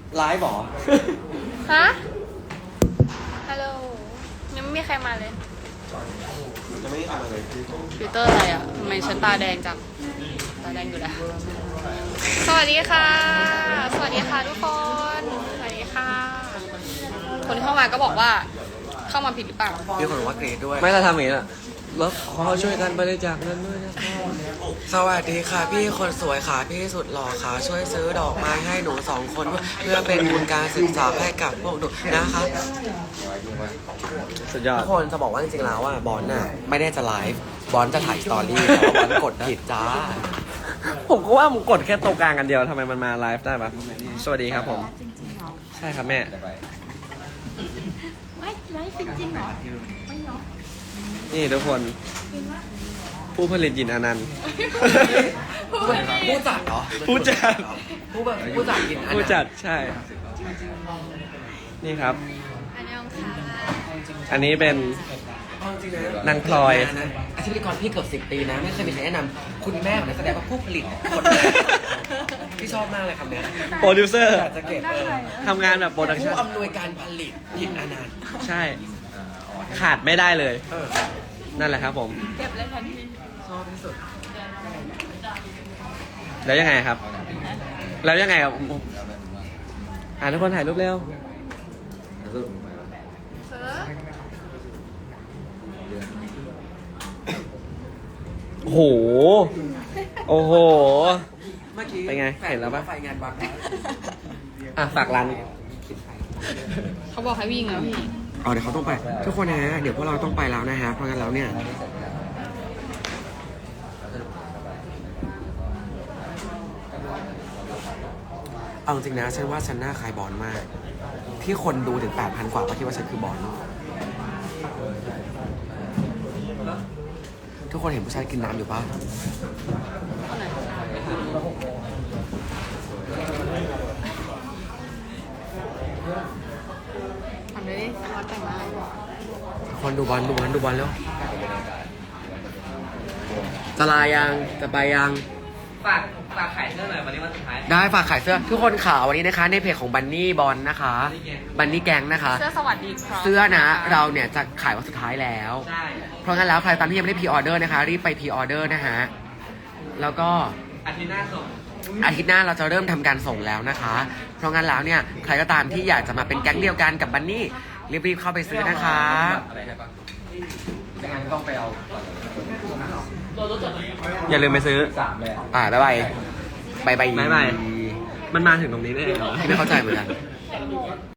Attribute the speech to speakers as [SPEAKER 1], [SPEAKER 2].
[SPEAKER 1] ไลฟ์หรอ
[SPEAKER 2] ฮะ ฮัลโหล ยังไม่มีใครมาเลย
[SPEAKER 1] จะไม่ทำอะไรเลย
[SPEAKER 2] ฟิลเตอร์อะไรอ่ะทำไมฉันตาแดงจัง ตาแดงอยู่แล้ว สวัสดีค่ะ สวัสดีค่ะทุกคน สวัสดีค่ะ คนเข้ามาก็บอกว่าเข้ามาผิดหรือเปล่า
[SPEAKER 1] มีคนบอกว่าเกรดด้วย
[SPEAKER 3] ไม่เราทำอย่างนี้แหละแล้วขอช่วยกันบริจาคเงินด้วยนะครับ
[SPEAKER 1] สวัสดีค่ะพี่คนสวยค่ะพี่สุดหล่อค่ะช่วยซื้อดอกไม้ให้หนู2 คนเพื่อเป็นทุนการศึกษาให้กับพวกหนูนะคะ
[SPEAKER 3] สุดยอด
[SPEAKER 1] ทุกคนจะบอกว่าจริงๆแล้วอ่ะบอลน่ะไม่ได้จะไลฟ์บอลจะถ่ายสตอรี่แต่ว่าบอลกดผิดจ้า
[SPEAKER 3] ผมก็ว่าผมกดแค่ตรงกลางกันเดียวทำไมมันมาไลฟ์ได้ปะสวัสดีครับผม ใช่ครับแม่
[SPEAKER 2] ไม่ไลฟ์จริงๆเหรอ
[SPEAKER 3] นี่ทุกคน ผู้ผลิตหยินอนันต์
[SPEAKER 1] ผู้จัดเหรอ
[SPEAKER 3] ผู้จัด
[SPEAKER 1] ผู้จัดกินอัน
[SPEAKER 3] ผู้
[SPEAKER 1] นั้น
[SPEAKER 3] จัดใช่ นี่ครับ
[SPEAKER 2] อันนี้ค่ะ
[SPEAKER 3] อันนี้เป็น
[SPEAKER 1] เอาจริงๆะ
[SPEAKER 3] นางพลอย
[SPEAKER 1] อาชีพพิธีกรพี่เกือบ10 ปีนะไม่เคยมีใครแนะนำคุณแม่ของนักแสดงว่าผู้ผลิตคนแรกพี่ชอบมากเลยคำเนี้ย
[SPEAKER 3] โปรดิวเซอร์
[SPEAKER 1] อยากจะเก็บ
[SPEAKER 3] ทำงานแบบโปรดักชั่
[SPEAKER 1] ผู้
[SPEAKER 3] น
[SPEAKER 1] อำนวยการผลิตยินอนันต์
[SPEAKER 3] ใช่ ขาดไม่ได้เลย
[SPEAKER 1] เออ
[SPEAKER 3] นั่นแหละครับผม
[SPEAKER 2] เก็บเลยทันที
[SPEAKER 1] ชอบที่สุด
[SPEAKER 3] แล้วยังไงครับ แล้วยังไงครับทุกคนถ่ายรูปเร็ว โอ้โห โอ้โห
[SPEAKER 1] เมื่อกี้
[SPEAKER 3] เป็นไงเห็นแล้วปะ
[SPEAKER 1] ไฟงานวัด
[SPEAKER 3] ฝากร้าน
[SPEAKER 2] เขาบอกให้วิ่งแล้วพี่
[SPEAKER 1] เดี๋ยวเขาต้องไป ทุกคนนะฮะเดี๋ยวพวกเราต้องไปแล้วนะฮะเพราะงั้นแล้วเนี่ยเอาจริงนะฉันว่าฉันหน้าคล้ายบอลมาก ที่คนดูถึง 8,000 กว่าก็คิดว่าฉันคือบอลทุกคนเห็นผู้ชายกินน้ำอยู่ปะ
[SPEAKER 2] ทำเลยดิวัดแต่งมา
[SPEAKER 1] คนดูบอลแล้วจะลายังจะไปยัง
[SPEAKER 3] ฝากขายเสื้อหน่อยวันนี้วันสุดท้าย
[SPEAKER 1] ได้ฝากขายเสื้อทุกคนข่าววันนี้นะคะ ในเพจของบันนี่บอลนะคะบันนี่แกงนะคะ
[SPEAKER 2] เสื้อสวัสดีครับ
[SPEAKER 1] เสื้อนะเราเนี่ยจะขายวันสุดท้ายแล้ว
[SPEAKER 3] ใช่
[SPEAKER 1] เพราะงั้นแล้วใครตามที่ยังไม่ได้พรีออเดอร์นะคะ รีบไปพรีออเดอร์นะฮะแล้วก็
[SPEAKER 3] อาทิตย์หน้าส่ง
[SPEAKER 1] อาทิตย์หน้าเราจะเริ่มทำการส่งแล้วนะคะ เพราะงั้นแล้วเนี่ยใครก็ตามที่อยากจะมาเป็นแก๊งเดียวกันกับบันนี่รีบๆเข้าไปซื้อนะคะ
[SPEAKER 3] ต้องไปเอาอย่าลืมไปซื้อ
[SPEAKER 1] บ๊ายบายบ๊ายบาย
[SPEAKER 3] บ๊ายบาย มันมาถึงตรงนี้ได้เหรอ
[SPEAKER 1] ไม่เข้าใจเหมือนกัน